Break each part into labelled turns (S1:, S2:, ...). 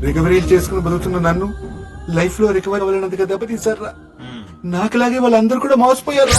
S1: Recovery చేసుకుని బతుకుతున్న నన్ను లైఫ్ లో రికవరీ అవ్వాలన్నందుకు దెబ్బతీశారా. నాకులాగే వాళ్ళందరూ కూడా మోసపోయారు.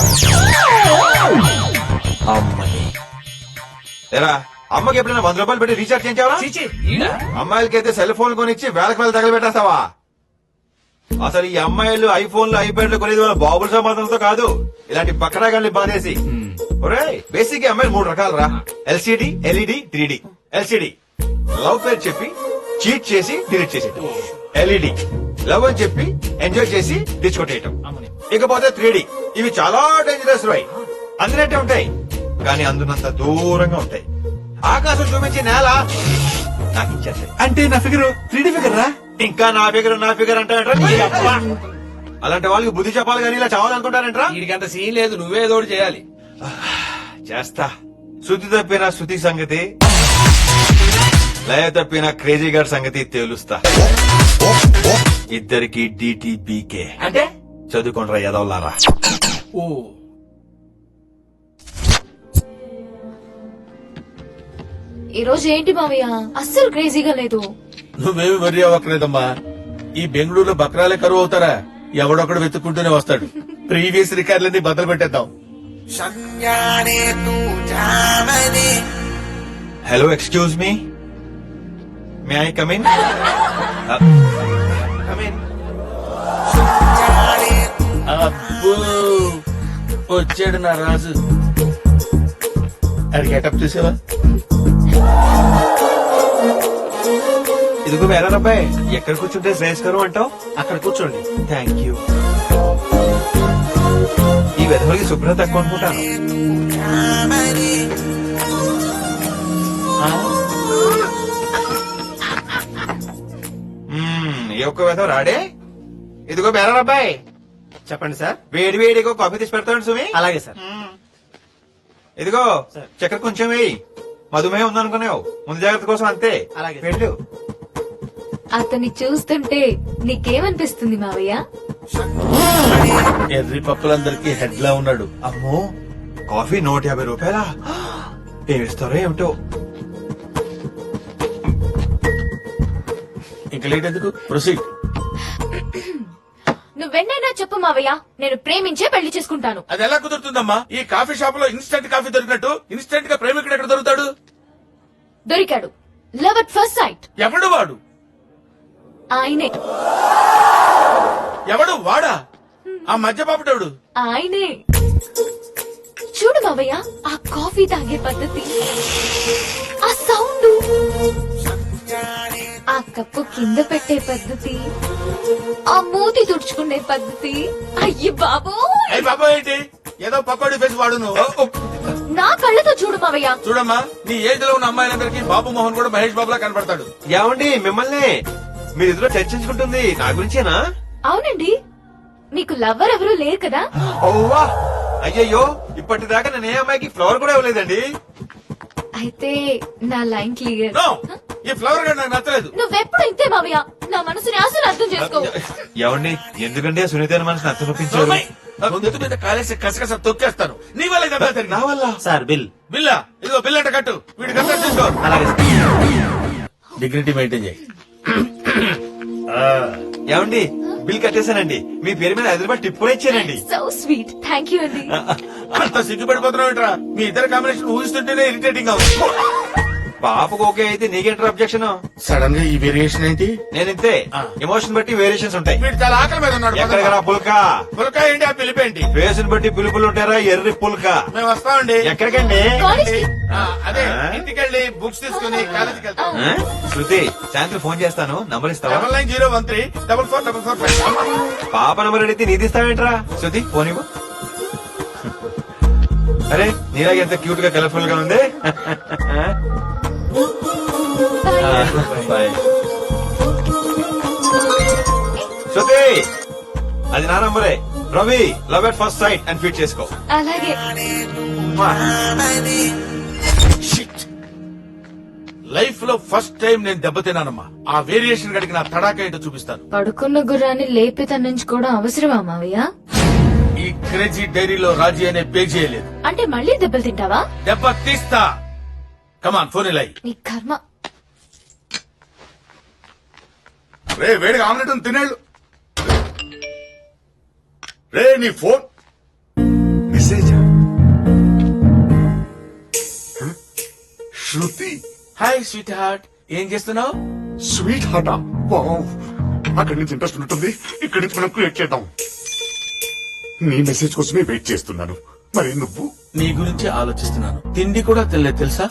S2: అమ్మకి ఎప్పుడైనా 100 రూపాయలు పెట్టి రీఛార్జ్ చేయించావా? అమ్మాయిలకైతే సెల్ ఫోన్ కొనిచ్చి వేలకు వేలు తగలబెట్టేస్తావా? అసలు ఈ అమ్మాయిలు ఐఫోన్లు ఐప్యాడ్లు కొనేది వాళ్ళ బాబుల సమాధానంతో కాదు, ఇలాంటి పక్కడాగాన్ని బాధేసి. ఒరే బేసిక్ అమ్మాయిలు 3 రకాలు రా: LCD, LED, 3D. LCD love పేరు చెప్పి చీట్ చేసి డిలీట్ చేసేయటం. ఎల్ఈడి లవ్ అని చెప్పి ఎంజాయ్ చేసి డిచ్కొట్టేయటం. ఇకపోతే 3D, ఇవి చాలా డేంజరస్ రై. అందినట్టే ఉంటాయి కానీ అందునంత దూరంగా ఉంటాయి. ఆకాశం చూపించి నేల నాకు ఇచ్చేస్తాయి.
S1: అంటే నా ఫిగర్ 3D ఫిగర్ రా.
S2: ఇంకా నా ఫిగర్ అంటారంట్రా. అలాంటి వాళ్ళకి బుద్ధి చెప్పాలి కానీ ఇలా చావాలనుకుంటారంట్రా.
S3: వీడికంత సీన్ లేదు, నువ్వే ఏదో ఒకటి చేయాలి.
S2: చేస్తా. శృతి తప్పిన శృతి సంగతి, లయ తప్పిన క్రేజీ గారి సంగతి తేలుస్తా. ఇద్దరికి డిటిపికే
S3: అంటే
S2: చదువుకుంటారా ఎదవలారా.
S3: ఓ
S4: ఈ రోజు ఏంటి మావయ్య అస్సలు క్రేజీగా లేదు.
S5: నువ్వేమి వరి అవ్వకలేదమ్మా. ఈ బెంగళూరులో బక్రాలే కరువు అవుతారా? ఎవడొక్కడు వెతుక్కుంటూనే వస్తాడు. ప్రీవియస్ రికార్డులన్నీ బద్దలు పెట్టేద్దాం.
S2: Hello, excuse me, may I come in?
S5: అబ్బో వచ్చాడు నా రాజు. అది గెటప్ చూసావా?
S2: ఇదిగో వేరే అబ్బాయి, ఎక్కడ కూర్చుంటే శ్రేయస్కరం అంటావు?
S5: అక్కడ కూర్చోండి.
S2: Thank you. ఈ వెధవలకి శుభ్రత తక్కువ అనుకుంటాను. ఏ ఒక్క వెధవ రాడే. ఇదిగో బేరా అబ్బాయి,
S3: చెప్పండి సార్.
S2: వేడి వేడిగో కాఫీ తీసి పెడతాడు సుమి.
S3: అలాగే సార్.
S2: ఇదిగో చక్కెర కొంచెం వేయి. మధుమేహం ఉందనుకున్నావు, ముందు జాగ్రత్త కోసం అంతే.
S3: అలాగే.
S2: వెళ్ళు.
S4: అతన్ని చూస్తుంటే నీకేమనిపిస్తుంది మావయ్య?
S5: ఎర్రి పప్పులందరికీ హెడ్ లా ఉన్నాడు.
S2: అమ్మో, కాఫీ 150 రూపాయలా? ఏమిస్తారో ఏమిటో.
S5: ఇంకా లేట్ ఎందుకు, ప్రొసీడ్.
S4: నువ్వెన్నైనా చెప్పు మావయ్య, నేను ప్రేమించే పెళ్లి చేసుకుంటాను.
S5: అది ఎలా కుదురుతుందమ్మా? ఈ కాఫీ షాప్ లో ఇన్స్టెంట్ కాఫీ దొరికినట్టు ఇన్స్టెంట్ గా ప్రేమికుడు ఎక్కడ దొరుకుతాడు?
S4: దొరికాడు. Love at first sight.
S5: ఎవడు వాడు?
S4: ఆయనే.
S5: ఎవడు వాడా? ఆ మధ్య పాపటోడు
S4: ఆయనే. చూడు మావయ్య, ఆ కాఫీ తాగే పద్ధతి, ఆ సౌండ్, ఆ కప్పు కింద పెట్టే పద్ధతి, ఆ మూతి తుడుచుకునే పద్ధతి. అయ్యి బాబు,
S5: అయ్యి బాబా ఏంటి ఏదో పకోడీ ఫేస్ వాడు నువ్వు.
S4: నా కళ్ళతో చూడు మావయ్య.
S5: చూడమ్మా, నీ ఏజ్ లో ఉన్న అమ్మాయిలందరికీ బాబు మోహన్ కూడా మహేష్ బాబులా కనపడతాడు.
S2: ఏమండి మిమ్మల్ని మీరిద్దరూ చర్చించుకుంటుంది నా గురించేనా?
S4: అవునండి, మీకు లవ్వర్ ఎవరు లేరు కదా?
S2: ఓవా, అయ్యయ్యో, ఇప్పటిదాకా నేను ఏ అమ్మాయికి ఫ్లవర్ కూడా ఇవ్వలేదండి.
S4: అయితే నా లైన్ క్లియర్.
S5: నో, ఈ ఫ్లవర్ గా నాకు నచ్చలేదు.
S4: నువ్వెప్పుడు ఇంతే మావయ్య, నా మనసుని అసలు అర్థం చేసుకో.
S2: ఏమండి, ఎందుకంటే సునీతైన మనసుని అర్థం ఒప్పించారు.
S5: గొంతు మీద కాలేసి కసకస తొక్కేస్తాను. నీ వల్ల కదా
S2: నా వల్ల.
S3: Sir bill.
S5: బిల్లా, ఇదిగో బిల్ అంటే కట్టు. వీడి కట్ట తీసుకో.
S3: అలాగే
S5: డిగ్నిటీ మెయింటైన్ చేయి.
S2: ఏమండి, బిల్ కట్టేశానండి. మీ పేరు మీద హైదరాబాద్ టిప్ కూడా ఇచ్చానండి.
S4: సో స్వీట్, థ్యాంక్ యూ అండి.
S5: అంత సిగ్గుపడిపోతున్నావు ఏంట్రా? మీ ఇద్దరు కాంబినేషన్ ఊహిస్తుంటేనే ఇరిటేటింగ్ గా ఉంది.
S2: పాపకు ఓకే అయితే నీకేంటారు అబ్జెక్షన్?
S5: సడన్ గా ఈ వేరియేషన్ ఏంటి?
S2: నేను ఇంతే, ఎమోషన్ బట్టి వేరియేషన్స్ ఉంటాయి.
S5: వీడు చాలా ఆకలి మీద ఉన్నాడు.
S2: ఎక్కడికరా పుల్కా?
S5: పులక ఏంటి? ఆ పిలిపేంటి?
S2: ఫేస్ బట్టి పిలుపులు ఉంటారా? ఎర్రి పుల్కా.
S5: మేము వస్తామండి.
S2: ఎక్కడికండి?
S5: అదే ఇంటికెళ్ళి బుక్స్ తీసుకుని కాలేజీకి వెళ్తాం.
S2: శృతి, సాయంత్రం ఫోన్ చేస్తాను, నంబర్ ఇస్తావా?
S5: 9901344455.
S2: పాప నంబర్ అడిగితే నీది ఇస్తావేంట్రా? శృతి ఫోన్ ఇవ్వు. అరే నీలాగ ఎంత క్యూట్ గా కలర్ఫుల్ గా ఉంది. శృతి, అది నా నంబరే. Ravi, love at first sight అని ఫీడ్ చేసుకో.
S4: అలాగే.
S5: లైఫ్ లో ఫస్ట్ టైం నేను దెబ్బతిన్నానమ్మా. ఆ వేరియేషన్ గడికి నా తడాక ఏంటో చూపిస్తాను.
S4: పడుకున్న గుర్రాన్ని లేపి తన్నించుకోవడం అవసరమా మావయ్య?
S5: ఈ క్రేజీ డైరీలో రాజీ అనే పేజీ లేదు.
S4: అంటే మళ్ళీ దెబ్బలు తింటావా?
S5: దెబ్బ తీస్తా. కమాన్, ఫోన్ ఇలా.
S4: నీ కర్మ.
S1: రే వేడిగా ఆమ్లెట్ ఉంది, తినేళ్ళు. రే నీ phone message Shruti
S5: hi sweetheart, ఏం చేస్తున్నావు?
S1: Sweetheart. అక్కడి నుంచి ఇంట్రెస్ట్ ఉంటుంది, ఇక్కడి నుంచి మనం క్రియేట్ చేద్దాం. నీ మెసేజ్ కోసమే వెయిట్ చేస్తున్నాను. మరి నువ్వు?
S5: నీ గురించి ఆలోచిస్తున్నాను. తిండి కూడా తినలేదు తెలుసా?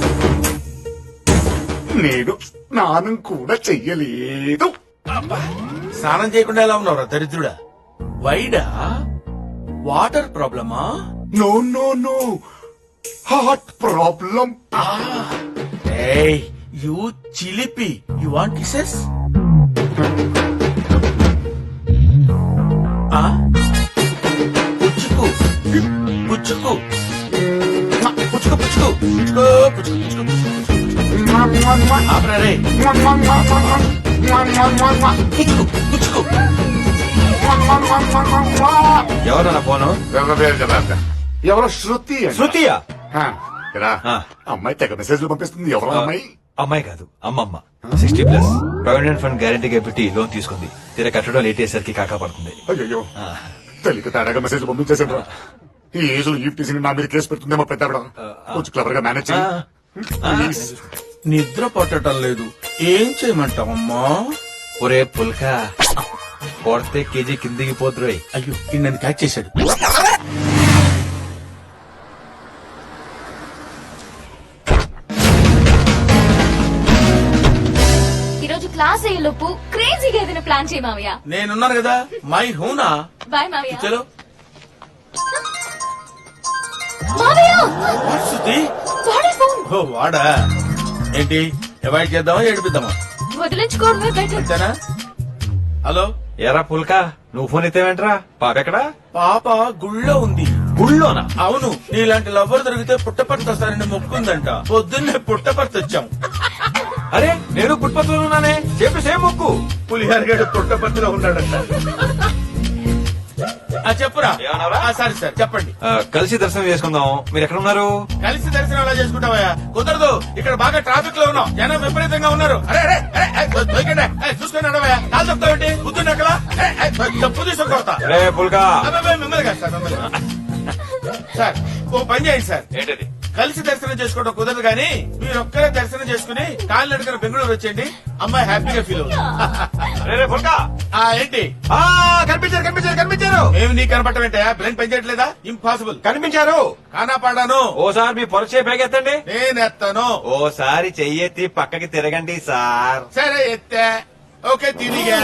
S1: నేను స్నానం కూడా చెయ్యలేదు.
S5: స్నానం చేయకుండా ఎలా ఉన్నావురా దరిద్రుడా? వైడా? వాటర్ ప్రాబ్లమా?
S1: No no no, heart problem.
S5: ఏయ్ యూ చిలిపి, యు వాంట్ కిసెస్? పుచ్చుకు పుచ్చుకు పుచ్చుకు పుచ్చుకు పుచ్చుకో పుచ్చుకు పుచ్చుకు ఆపరా రే. పుచ్చుకు పుచ్చుకు.
S2: ఎవరు నా ఫోను?
S1: ఎవరో శృతి అంట.
S2: శృతియా?
S1: ఆ, రా.
S2: ఆ.
S1: అమ్మాయి తెగ మెసేజ్లు పంపిస్తుంది. ఎవరో అమ్మాయి?
S2: అమ్మాయి కాదు, అమ్మమ్మ. 60+ ప్రావిడెంట్ ఫండ్ గ్యారంటీగా పెట్టి లోన్ తీసుకుంది. తీరా కట్టడం లేట్ అయ్యేసరికి కాకా పడుతుంది.
S1: అయ్యో తెలియక తేడాగా మెసేజ్ పంపించేసాడు. ఈ ఏజ్ లో ఈవ్ టీసీ నా మీద కేసు పెడుతుందేమో పెద్ద కొంచెం క్లవర్ గా మేనేజ్ చేయి. ప్లీజ్.
S5: నిద్ర పట్టడం లేదు, ఏం చేయమంటావమ్మా?
S2: ఒరే పుల్కా, కొడితే కేజీ కిందికి పోతురోయ్.
S5: అయ్యో ఈ నన్ను క్యాచ్ చేశాడు.
S4: ఈరోజు క్లాస్ అయ్యేలోపు క్రేజీగా ఏదైనా ప్లాన్ చేయి మావయ్య.
S5: నేనున్నాను కదా, మై హూనా.
S4: బాయ్ మావయ్య.
S5: చలో.
S4: మావయ్య
S5: శృతి.
S4: వాడే ఫోన్.
S5: ఓ వాడా? ఏంటి అవాయిడ్ చేద్దామా ఏడిపిద్దామా?
S4: వదిలించుకోవడమే బెటర్.
S5: అంతేనా? హలో
S2: ఎరా పుల్కా, నువ్వు ఫోన్ ఎత్తేవేంట్రా? పాపెక్కడా?
S5: పాప గుళ్ళో ఉంది.
S2: గుళ్ళోనా?
S5: అవును, నీలాంటి లవ్వర్ దొరికితే పుట్టపర్తి వస్తారని మొక్కుందంట. పొద్దున్నే పుట్టపర్తి వచ్చాం.
S2: అరే నేను పుట్పత్తులో ఉన్నానే, చెప్పి సేమ్ మొక్కు.
S5: పులిహార గడు పుట్టపర్తిలో ఉన్నాడంట. చెప్పురా.
S2: ఏమన్నావురా?
S5: సరే సార్ చెప్పండి.
S2: కలిసి దర్శనం చేసుకుందాం. మీరు ఎక్కడ ఉన్నారు?
S5: కలిసి దర్శనం ఎలా చేసుకుంటావా? కుదరదు, ఇక్కడ బాగా ట్రాఫిక్ లో ఉన్నాం, జనం విపరీతంగా ఉన్నారు. అరే అరే దొరికండి, చూసుకొని అడవయా. కాలు చెప్తావేంటి? బుద్ధుని ఎక్కడ? తప్పు తీసుకొడతా.
S2: రే పుల్కా.
S5: మిమ్మల్ని కాదు సార్, మిమ్మల్ని. సార్ ఓ పని చేయండి సార్.
S2: ఏంటది?
S5: కలిసి దర్శనం చేసుకోవడం కుదరదు కానీ మీరు ఒక్కరే దర్శనం చేసుకుని కాళ్ళు నడుకుని బెంగళూరు వచ్చేయండి. అమ్మాయి హ్యాపీగా ఫీల్ అవుతుంది.
S2: రే పుల్కా.
S5: ఏంటి?
S2: కనిపించారు కనిపించారు కనిపించారు.
S5: ఏమి నీ కనపడటం ఏంటా? బ్రెయిన్ పనిచేయట్లేదా? ఇంపాసిబుల్.
S2: కనిపించారు.
S5: కానా పాడాను.
S2: ఓసారి మీ పొరచే పైకెత్తండి.
S5: నేనెత్తాను.
S2: ఓసారి చెయ్యెత్తి పక్కకి తిరగండి సార్.
S5: సరే ఎత్తా. ఓకే తిరిగా.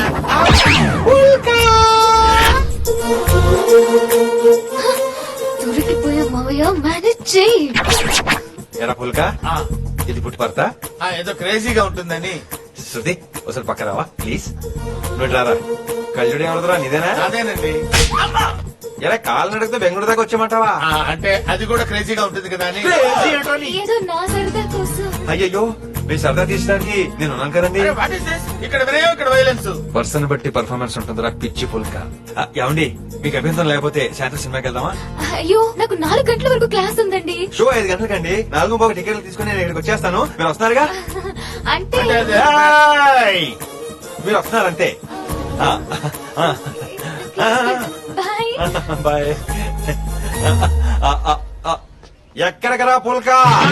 S4: దొరికిపోయా మావయ్య, మేనేజ్ చేయి.
S2: ఎరా పుల్కా, ఇది పుట్టుపడతా?
S5: ఏదో క్రేజీగా ఉంటుందని.
S2: శృతి ఒకసారి పక్క రావా ప్లీజ్. నువ్వు రారా. కళ్ళుడు ఏమవుతురా? నీదేనా?
S5: అదేనండి.
S2: ఎలా కాళ్ళు నడిగితే బెంగళూరు దాకా వచ్చామంటావా?
S5: అంటే అది కూడా క్రేజీగా ఉంటుంది కదా అని.
S4: ఏదో నా సరదా కోసం.
S2: అయ్యయ్యో, మీ సరదా తీసడానికి నేను ఉన్నాను కదండి.
S5: అరే, what is this? ఇక్కడ వినయం, ఇక్కడ వైలెన్స్.
S2: పర్సన్ బట్టి పర్ఫార్మెన్స్ ఉంటుందిరా పిచ్చి పుల్కా. ఏమండి మీకు అభ్యంతరం లేకపోతే సాయంత్రం సినిమాకి వెళ్దామా?
S4: అయ్యో నాకు 4 గంటల వరకు క్లాస్ ఉందండి.
S2: షో 5 గంటలకండి. 4:15 టికెట్లు తీసుకుని నేను ఇక్కడికి వచ్చేస్తాను. మీరు వస్తున్నారుగా?
S4: అంటే
S2: ఏయ్! మీరు వస్తున్నారంతే.
S4: బాయ్.
S2: బాయ్. ఎక్కడికరా పుల్కా?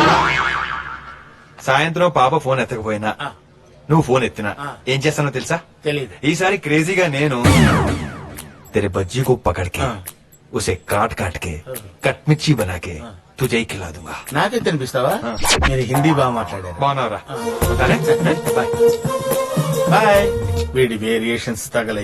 S2: సాయంత్రం పాప ఫోన్ ఎత్తకపోయినా నువ్వు ఫోన్ ఎత్తినా ఏం చేస్తానో తెలుసా?
S5: తెలీదు.
S2: ఈసారి క్రేజీగా నేను तेरे बज्जी को पकड़ के उसे काट काट के कटमिर्ची बना के तुझे ही खिला दूंगा.
S5: నాకే తినిపిస్తావా? మీరు హిందీ బాగా మాట్లాడారు.
S2: బాగున్నారా? బాయ్.
S5: బాయ్. వీడి వేరియేషన్స్ తగల